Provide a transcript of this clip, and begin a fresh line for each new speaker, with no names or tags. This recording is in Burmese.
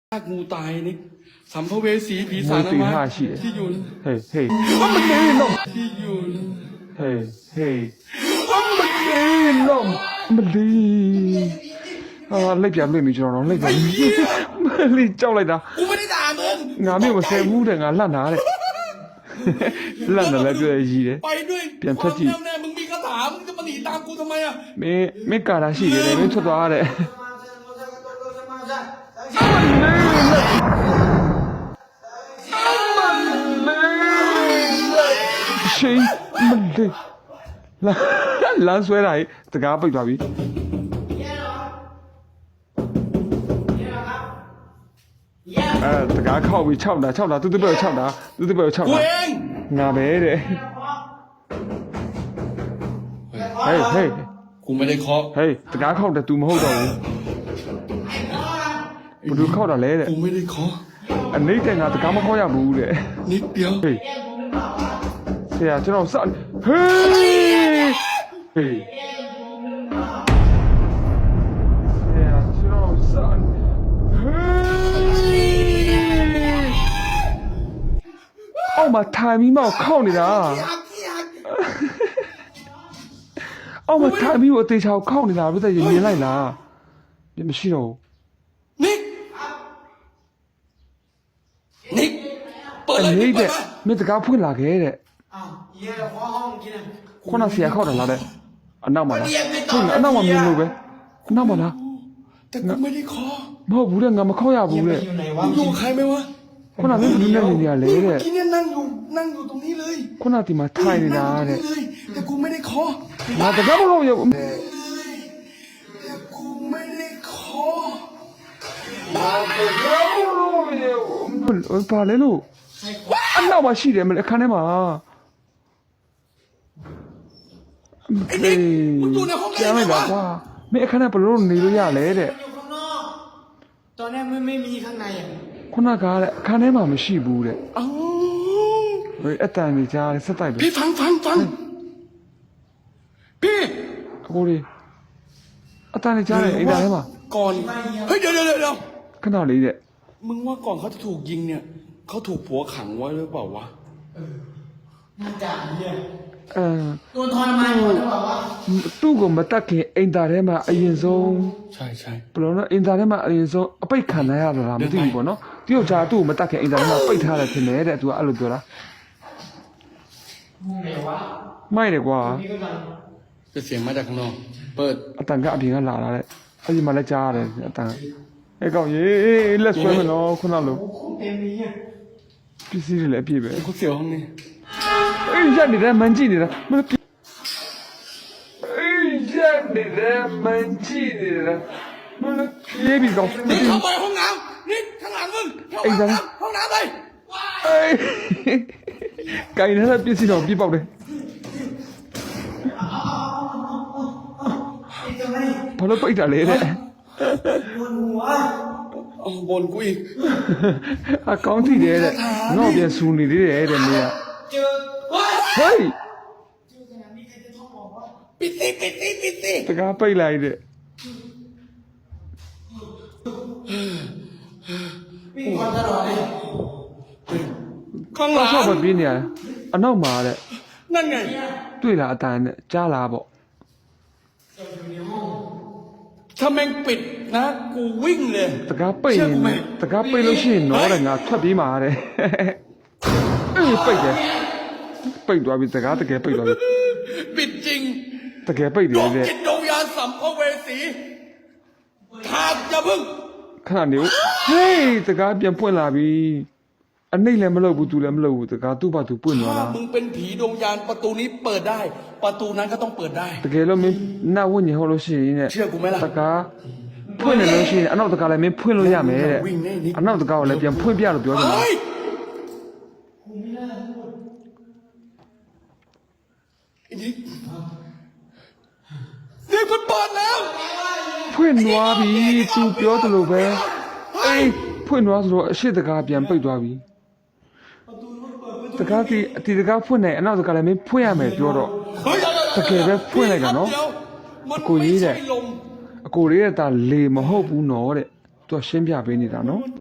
งูตายนี่สัมภเวสีผีสางนะมั้ยที่อยู่
เฮ้ยเฮ้ยมันเล่นน้อง
ที่อยู่
เฮ้ยเฮ้ยมันเล่นน้องมันดีလိုက်ပြလွင့်ပြီကျွန်တော်လိုက်ပြလိကြောက်လိုက်တာ
กูไม่ได้ด่ามึง
ငါမျိုးမဆဲဘူးတဲ့ငါလှတာတဲ့လှတယ်လည်းပြောရည်တယ်
ไปด้วย
ပြန်ထွက်ကြည့်
แน่มึงมีคาถามึงจะมาหนีตามกูทำไมอ่ะ
မင်းကာတာရှိတယ်မင်းထွက်သွားတဲ့ရှိမလေးလမ်းဆွဲတာတကားပိတ်သွားပြီတကားခောက်ပြီး6တာသူပဲ6တာ
กูเอง
ငါပဲတဲ့ဟေးဟေး
กูไม่ได้เคาะ
ဟေးတကားခောက်တယ် तू မဟုတ်တော့ဘူးဘယ်သူခောက်တာလဲတဲ့
กูไม่ได้เคาะ
အနေနဲ့ငါတကားမခောက်ရဘူးတဲ့
นิดเดียว
ဟေးဆရာကျွန်တော်စဟေးဟေးဆရာကျွန်တော်စဟေးအော်မထိုင်ပြီးမှခောက်နေတာအော်မထိုင်ပြီးအသေးချောက်ခောက်နေတာဘယ်သက်ရင်မြင်လိုက်လားပြမရှိတော့
นิกเปิดเลย
นิกတဲ့မင်းတကားဖွင့်လာခဲ့တဲ့
อ้าวเหี้ยขอห้องกิน
ခုနဆရာခောက်တယ်လားတဲ့အနောက်မှာလားဟုတ်အနောက်မှာမြင်လို့ပဲအနောက်မှာလား
แต่กูไม่ได้เคาะ
မဟုတ်ဘူးတဲ့ငါမခောက်ရဘူးတဲ့
อยู่ไหนวะ
มึงอยู่ใครไหมวะ
ခုနမင်းဘူးနဲ့နေရလေတဲ့
ที่เนี่ยนั่งอยู่ตรงนี้เลย
ခုနဒီမှာထိုင်နေတာတဲ့
แต่กูไม่ได้เคาะ
ငါတကားမခောက်ရဘူး
แต่กูไม่ได้เคาะ
ပါလေလို့အနောက်မှာရှိတယ်မလဲအခန်းထဲမှာ
ไอ้นิกมึงอยู่ในห้องได้ไหมวะ
ကွာမင်းအခန်းထဲဘယ်လိုနေလို့ရလဲတဲ့
อยู่ข้างนอกตอนแรกไม่มีข้างในอ่ะ
ခုနကတဲ့အခန်းထဲမှာမရှိဘူးတဲ့
อ้าว
ဟိုအတန်ကြီးကြားဆက်တိုက်ပဲ
พี่ฟังพี่
အကိုလေးအတန်ကြီးကြားတယ်အိမ်သားထဲမှာ
ก่อนเฮ้ยเดี๋ยว
ခဏလေးတဲ့
มึงว่าก่อนเขาจะถูกยิงเนี่ยเขาถูกผัวขังไว้หรือเปล่าวะ
น่าจะเนี่ย
အဲ
ตัวทรมานหมดหรือเปล่าวะ
သူ့ကိုမတက်ခင်အိမ်သားထဲမှာအရင်ဆုံး
ใช่
ဘယ်လိုလဲအိမ်သားထဲမှာအရင်ဆုံးအပိတ်ခံရတာလားမသိဘူးပေါ့နော်တယောက်ကြားသူ့ကိုမတက်ခင်အိမ်သားထဲမှာပိတ်ထားတယ်ထင်တယ်တဲ့သူကအဲ့လိုပြောတာ
ไหนวะ
မိုက်တယ်ကွာ
นี่ก็ดัง
จะเสียงมาจากข้างนอกเปิด
အတန်ကအပြင်ကလာတာတဲ့အဲ့ဒီမှာလည်းကြားရတယ်အတန်အဲ့ကောင်ရေးလက်ဆွဲမလို့ခုနလို
โอ้โหเต็มเลยเนี่ย
ပစ္စည်းတွေလည်းအပြည့်ပဲ
เขาเสียวห้องนี้
အေးရက်နေတဲ့မန်ကြည့်နေတာမလို့အေးရက်နေတဲ့မန်ကြည့်နေတာမလို့ပြေးပြီးကောင်
นี่เข้าไปห้องน้ำนี่ข้างหลังมึงห้องน้ำเลย
အေးကိုင်နေတဲ့ပစ္စည်းတော့ပြပေါက်တယ်ဘာလို့ပိတ်တာလဲတဲ့
ปวดหัว
บนกูอีก
အကောင်းထိတယ်တဲ့တော့ပြန်ဆူနေသေးတယ်တဲ့မင်းက
เจอ
ဟေး
เจอขนาดนี้ใครจะท้องบอกว่า
ปิดสิ
တကားပိတ်လိုက်တဲ့
วิ่งคนตลอดเลย
ข้างหลัง
ဆော့မပြင်းနေရအနောက်မှာတဲ့
นั่นไง
တွေ့လားအတန်နဲ့ကြားလားပေါ့
ถ้าแม่งปิดนะกูวิ่งเลย
တကားပိတ်နေတကားပိတ်လို့ရှိရင်တော့တဲ့ငါထွက်ပြေးမှာတဲ့အေးပိတ်တယ်ပိတ်သွားပြီတကားတကယ်ပိတ်သွားပြီ
ปิดจริง
တကယ်ပိတ်တယ်တဲ့
จิตดวงวิญญาณสัมภเวสีขาดอย่าพึ่ง
ခဏနေဦးဟေးတကားပြန်ပွင့်လာပြီအနှိမ့်လည်းမလုပ်ဘူးသူလည်းမလုပ်ဘူးတကားသူ့ဘာသူပွင့်သွား
ถ้า
တာ
มึงเป็นผีดวงวิญญาณประตูนี้เปิดได้ประตูนั้นก็ต้องเปิดได้
တကယ်လို့မင်းနတ်ဝိညာဉ်ဟုတ်လို့ရှိရင်တဲ့
เชื่อกูไหมล่ะ
တကားဖွင့်နေလို့ရှိရင်အနောက်တကားလည်းမင်းဖွင့်လို့ရမယ်တဲ့
วิ่งแน่นี่
အနောက်တကားကိုလည်းပြန်ဖွင့်ပြလို့ပြောတယ်
เฮ้ยไอ้นิกมันเปิดแล้ว
ဖွင့်သွားပြီသူပြောတယ်လို့ပဲအေးဖွင့်သွားဆိုတော့အရှိတကားပြန်ပိတ်သွားပြီတကားဒီတကားဖွင့်နေအနောက်တကားလည်းမင်းဖွင့်ရမယ်ပြောတော့
เฮ้ย
တကယ်ပဲဖွင့်လိုက်တာနော်
มัน
အကိုကြီးတဲ့
ไม่ใช่ลม
အကိုလေးကဒါလေမဟုတ်ဘူးနော်တဲ့သူကရှင်းပြပေးနေတာနော်